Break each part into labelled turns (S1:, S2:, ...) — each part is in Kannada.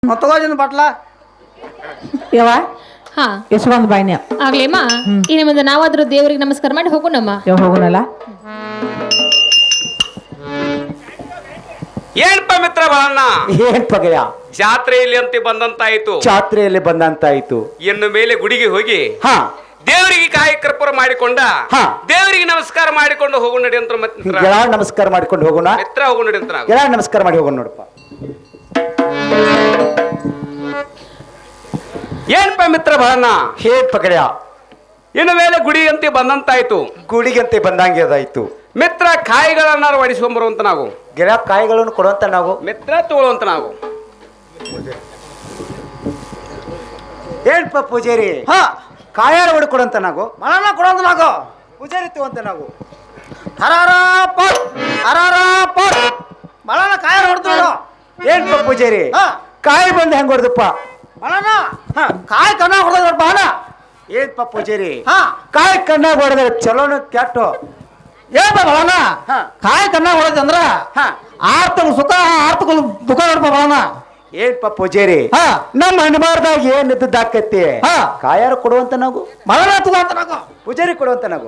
S1: ತಗೋಜಿನ ಬಟ್ಲ
S2: ಯವ
S3: ಹಾ
S2: ಎಷ್ಟೊಂದು ಬಾಯ್ನೆ
S3: ಆಗ್ಲೇಮ್ಮ ಇನ್ನು ಮುಂದೆ ನಾವಾದ್ರೂ ದೇವರಿಗೆ ನಮಸ್ಕಾರ ಮಾಡಿ ಹೋಗೋಣಮ್ಮ.
S2: ಯಾವ ಹೋಗೋಣಲ್ಲ
S4: ಏನಪ್ಪ ಮಿತ್ರ ಬಾಳಣ್ಣ,
S5: ಏನ್ ಪಗಯ
S4: ಜಾತ್ರೆಯಲ್ಲಿ ಅಂತ ಬಂದಂತಾಯ್ತು.
S5: ಜಾತ್ರೆಯಲ್ಲಿ ಬಂದಂತಾಯ್ತು.
S4: ಇನ್ನು ಮೇಲೆ ಗುಡಿಗೆ ಹೋಗಿ
S5: ಹಾ
S4: ದೇವರಿಗೆ ಕಾಯಿ ಕರ್ಪೂರ ಮಾಡಿಕೊಂಡ
S5: ಹಾ.
S4: ದೇವರಿಗೆ ನಮಸ್ಕಾರ ಮಾಡಿಕೊಂಡು ಹೋಗು ನಡಿ ಅಂತ ಮಿತ್ರ.
S5: ಗೆಳ ನಮಸ್ಕಾರ ಮಾಡ್ಕೊಂಡು ಹೋಗೋಣ.
S4: ಮಿತ್ರ ಹೋಗು ನಡಿ ಅಂತ ನಾವು.
S5: ಗೆಳ ನಮಸ್ಕಾರ ಮಾಡಿ ಹೋಗೋಣ ನೋಡಪ್ಪ.
S4: ಏನಪ್ಪ ಮಿತ್ರ ಬಾಳಣ್ಣ,
S5: ಏನ್ ಪಗಯ
S4: ಇನ್ನು ಮೇಲೆ ಗುಡಿ ಅಂತ ಬಂದಂತಾಯ್ತು.
S5: ಗುಡಿಗಂತೆ ಬಂದಂಗೆ ಅದಾಯ್ತು.
S4: ಮಿತ್ರ ಕಾಯಿಗಳನ್ನಾರು ಒಡಿಸ್ಕೊಂಬರುವಂತ ನಾವು.
S5: ಗೆಳ ಕಾಯಿಗಳನ್ನು ಕೊಡುವಂತ ನಾವು.
S4: ಮಿತ್ರ ತಗೊಳ್ಳುವಂತ ನಾವು.
S5: ಏನ್ಪ ಪೂಜಾರಿ
S1: ಹಾ
S5: ಕಾಯಾರ ಹೊಡ್ಕೊಡಂತ ನಾವು.
S1: ಮಳನ ಕೊಡೋದು ನಾಗೋ
S5: ಪೂಜಾರಿ ತಗೊಂತ ನಾವು.
S1: ಹರಾರ ಪಟ್ ಹರಾರ ಪಟ್ ಮಳನ ಕಾಯ ಹೊಡ್ತು.
S5: ಏನ್ಪ ಪೂಜಾರಿ
S1: ಹಾ
S5: ಕಾಯಿ ಬಂದು ಹೆಂಗ್ ಹೊಡೆದಪ್ಪ.
S1: ಮಳನ
S5: ಹಾ
S1: ಕಾಯಿ ಕಣ್ಣ ಹೊಡೆದ ಬಾಣ.
S5: ಏನ್ಪ ಪೂಜಾರಿ
S1: ಹಾ
S5: ಕಾಯಿ ಕಣ್ಣಾಗ ಹೊಡೆದ್ರೆ ಚಲೋನ ಕೆಟ್ಟು.
S1: ಏನ್ಪ ಮಳನ
S5: ಹಾ
S1: ಕಾಯಿ ಕಣ್ಣ ಹೊಡೆದಂದ್ರ
S5: ಹಾ
S1: 6 ತಿಂಗಳು ಸುಖ 6 ತಿಂಗಳು ದುಃಖ ನೋಡ್ಪ ಮಳನ.
S5: ಏನ್ಪ ಪೂಜಾರಿ
S1: ಹಾ
S5: ನಮ್ಮ ಹಣಬಾರ್ದಾಗ ಏನ್ ಇದ್ದದ್ದಾಕೈತಿ.
S1: ಹಾ
S5: ಕಾಯಾರ ಕೊಡುವಂತ ನಾವು.
S1: ಮಳನ ತಗೋಂತ ನಾಗೋ
S5: ಪೂಜಾರಿ ಕೊಡುವಂತ ನಾವು.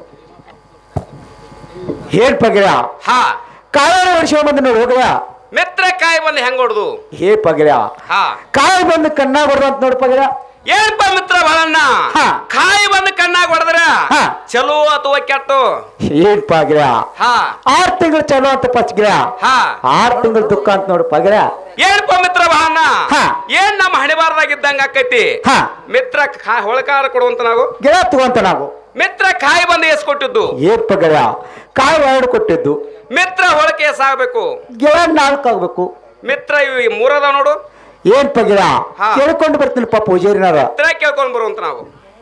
S5: ಏನ್ ಪಗಿರ
S4: ಹಾ
S5: ಕಾಯಾರ ವರ್ಷ ಬಂದು ನಾವು ಹೋಗಯ.
S4: ಮಿತ್ರ ಕಾಯಿ ಬಂದು ಹೆಂಗ್ ಹೊಡ್ದು.
S5: ಹೇ ಪಗಿರ
S4: ಹಾ
S5: ಕಾಯಿ ಬಂದು ಕಣ್ಣಾಗ ಹೊಡೆದಂತ ನೋಡ್ ಪಗಿರ.
S4: ಏನಪ್ಪ ಮಿತ್ರ ಬಾಳಣ್ಣ,
S5: ಹಾ.
S4: ಕಾಯಿ ಬಂದು ಕಣ್ಣಾಗ ಹೊಡೆದ್ರ
S5: ಹಾ.
S4: ಚಲೋ ಅಥವಾ ಕೆಟ್ಟು.
S5: ಏನ್ ಪಗಿರ
S4: ಹಾ
S5: 6 ತಿಂಗಳು ಚಲೋ ಅಂತ ಪಚ್ಗಿರ.
S4: ಹಾ
S5: 6 ತಿಂಗಳು ದುಃಖ ಅಂತ ನೋಡು ಪಗಿರ.
S4: ಏನಪ್ಪ ಮಿತ್ರ ಬಾಳಣ್ಣ,
S5: ಹಾ.
S4: ಏನ್ ನಮ್ಮ ಹಣಿಬಾರ್ದಾಗಿದ್ದಂಗ ಆಕೈತಿ.
S5: ಹಾ
S4: ಮಿತ್ರ ಹೊಳಕಾರ ಕೊಡುವಂತ ನಾವು.
S5: ಗಿಡ ತಗೊಂತ ನಾವು.
S4: ಮಿತ್ರ ಕಾಯಿ ಬಂದು ಎಸ್ಕೊಟ್ಟಿದ್ದು.
S5: ಏನ್ ಪಗಿರ ಕಾಯಿ 2 ಕೊಟ್ಟಿದ್ದು.
S4: ಮಿತ್ರ ಹೊಳಕೆ ಎಸಾಗಬೇಕು.
S5: ಗಿಡ 4 ಆಗ್ಬೇಕು.
S4: ಮಿತ್ರ ಇವು 3 ಅದಾವ ನೋಡು.
S5: ಏನ್ ಪಗಿರ
S4: ಹಾ.
S5: ಕೇಳ್ಕೊಂಡು ಬರ್ತೀನಿಪ್ಪ ಪೂಜಾರಿನಾರ.
S4: ಮಿತ್ರ ಕೇಳ್ಕೊಂಡ್ ಬರುವಂತ ನಾವು.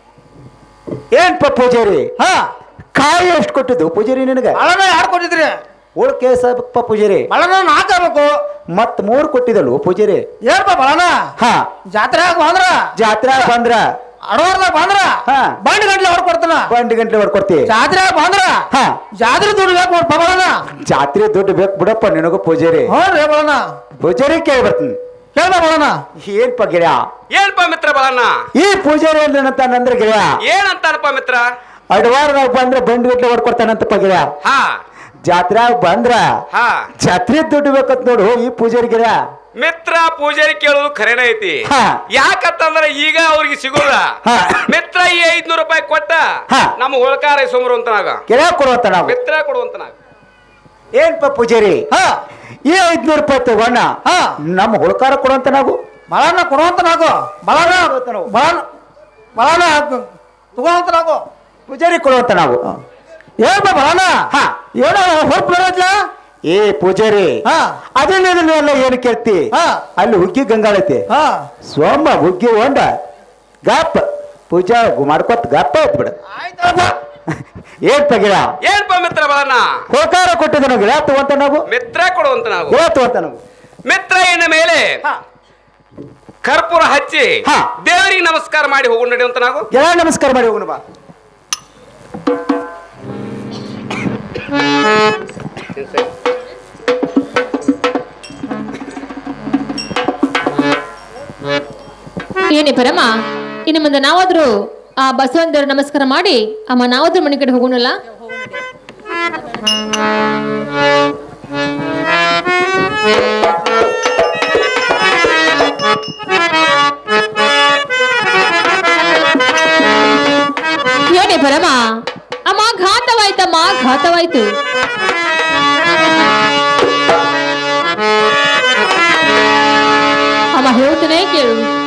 S5: ಏನ್ಪ ಪೂಜಾರಿ
S1: ಹಾ
S5: ಕಾಯಿ ಎಷ್ಟು ಕೊಟ್ಟಿದ್ದು ಪೂಜಾರಿ ನಿನಗೆ.
S1: ಮಳನ 2 ಕೊಟ್ಟಿದ್ರಿ.
S5: ಉಳ್ಕೆ ಸಾಕಪ್ಪ ಪೂಜಾರಿ.
S1: ಮಳನ 4 ಆಗ್ಬೇಕು.
S5: ಮತ್ 3 ಕೊಟ್ಟಿದಲ್ವ ಪೂಜಾರಿ.
S1: ಏನ್ಪ ಮಳನ
S5: ಹಾ
S1: ಜಾತ್ರೆ ಬಂದ್ರ
S5: ಜಾತ್ರೆ ಬಂದ್ರ
S1: ಅಡವಾರ್ದಾಗ ಬಂದ್ರ
S5: ಹಾ.
S1: ಬಂಡ್ ಗಂಟ್ಲೆ ಹೊಡ್ಕೊಡ್ತಾನ.
S5: 2 ಗಂಟೆ ಹೊಡ್ಕೊಡ್ತಿ.
S1: ಜಾತ್ರೆ ಬಂದ್ರ
S5: ಹಾ
S1: ಜಾತ್ರೆ ದುಡ್ಡು ಬೇಕು ನೋಡ್ಪ ಮಳನ.
S5: ಜಾತ್ರೆ ದುಡ್ಡು ಬೇಕು ಬಿಡಪ್ಪ ನಿನಗೂ ಪೂಜಾರಿ.
S1: ಹ್ಞೂ ರೀ ಮಳನ
S5: ಪೂಜಾರಿ ಕೇಳಿ ಬರ್ತೀನಿ.
S1: ಕೇಳ್ದ ಮಳನ.
S5: ಏನ್ಪ ಗಿಡ
S4: ಏನಪ್ಪ ಮಿತ್ರ ಬಾಳಣ್ಣ,
S5: ಈ ಪೂಜಾರಿ ಏನಂತಾನಂದ್ರೆ ಗಿಡ
S4: ಏನಂತಾನಪ್ಪ ಮಿತ್ರ.
S5: ಅಡವಾರದಾಗ ಬಂದ್ರೆ ಬಂಡ್ ಗಂಟೆ ಹೊಡ್ಕೊಡ್ತಾನಂತಪ್ಪ ಗಿಡ.
S4: ಹಾ
S5: ಜಾತ್ರೆಯಾಗ ಬಂದ್ರ
S4: ಹಾ
S5: ಜಾತ್ರೆ ದುಡ್ಡು ಬೇಕಂತ ನೋಡು ಈ ಪೂಜಾರಿ ಗಿಡ.
S4: ಮಿತ್ರ ಪೂಜಾರಿ ಕೇಳೋದು ಖರೇನ ಐತಿ.
S5: ಹಾ.
S4: ಯಾಕಂತಂದ್ರ ಈಗ ಅವ್ರಿಗೆ ಸಿಗೋದ.
S5: ಹಾ.
S4: ಮಿತ್ರ ಈ 500 ರೂಪಾಯಿ ಕೊಟ್ಟ
S5: ಹಾ.
S4: ನಮ್ಮ ಹೊಳಕಾರ ಸೋಮರು ನಾಗ
S5: ಗಿಡ ಕೊಡುವಂತ ನಾವು.
S4: ಮಿತ್ರ ಕೊಡುವಂತ ನಾಗ.
S5: ಏನ್ಪ ಪೂಜಾರಿ
S1: ಹಾ
S5: ಈ 500 ರೂಪಾಯಿ ತಗೋಣ.
S1: ಹಾ
S5: ನಮ್ಮ ಹುಳ್ಕಾರ ಕೊಡುವಂತ ನಾವು.
S1: ಮಳನ ಕೊಡುವಂತ ನಾಗು. ಮಳನ ಮಳನ ಮಳನ ತಗೋಂತ ನಾಗು.
S5: ಪೂಜಾರಿ ಕೊಡುವಂತ ನಾವು.
S1: ಏನ್ಪ ಮಳನ
S5: ಹಾ
S1: ಏನೋ ಹೊರಪ್ ಬರೋದ್ಲ.
S5: ಏ ಪೂಜಾರಿ
S1: ಹಾ
S5: ಅದನ್ನೆಲ್ಲ ಏನು ಕೇಳ್ತಿ.
S1: ಹಾ
S5: ಅಲ್ಲಿ ಹುಗ್ಗಿ ಗಂಗಾಳೈತಿ.
S1: ಹಾ
S5: ಸೋಮ ಹುಗ್ಗಿ ಹೊಂಡ ಗಪ್ಪ ಪೂಜಾ ಮಾಡ್ಕೊತ ಗಪ್ಪ ಬಿಡ.
S1: ಆಯ್ತಪ್ಪ.
S5: ಏನ್ ಗಿಡ
S4: ಏನಪ್ಪ ಮಿತ್ರ ಬಾಳಣ್ಣ,
S5: ಹೋಕಾರ ಕೊಟ್ಟಿದ್ದ ನಾವು. ಗಿಡ ತಗೊಂತ ನಾವು.
S4: ಮಿತ್ರ ಕೊಡುವಂತ ನಾವು.
S5: ಗಿಡ ತಗೊಂತ ನಾವು.
S4: ಮಿತ್ರ ಇನ್ನ ಮೇಲೆ
S5: ಹಾ.
S4: ಕರ್ಪೂರ ಹಚ್ಚಿ
S5: ಹಾ.
S4: ದೇವರಿಗೆ ನಮಸ್ಕಾರ ಮಾಡಿ ಹೋಗು ನಡಿ ಅಂತ ನಾವು.
S5: ಗಿಡ ನಮಸ್ಕಾರ ಮಾಡಿ ಹೋಗೋಣ ಬಾ.
S3: ಏನೇ ಪರಮ, ಇನ್ನು ಮುಂದೆ ನಾವಾದ್ರೂ ಆ ಬಸವಂತರ ನಮಸ್ಕಾರ ಮಾಡಿ ಅಮ್ಮ ನಾವಾದ್ರೂ ಮನೆ ಕಡೆ ಹೋಗೋಣಲ್ಲ. ಏನೇ ಪರಮ, ಅಮ್ಮ ಘಾತವಾಯ್ತಮ್ಮ ಘಾತವಾಯ್ತು. ಅಮ್ಮ ಹೇಳ್ತೇನೆ ಕೇಳು.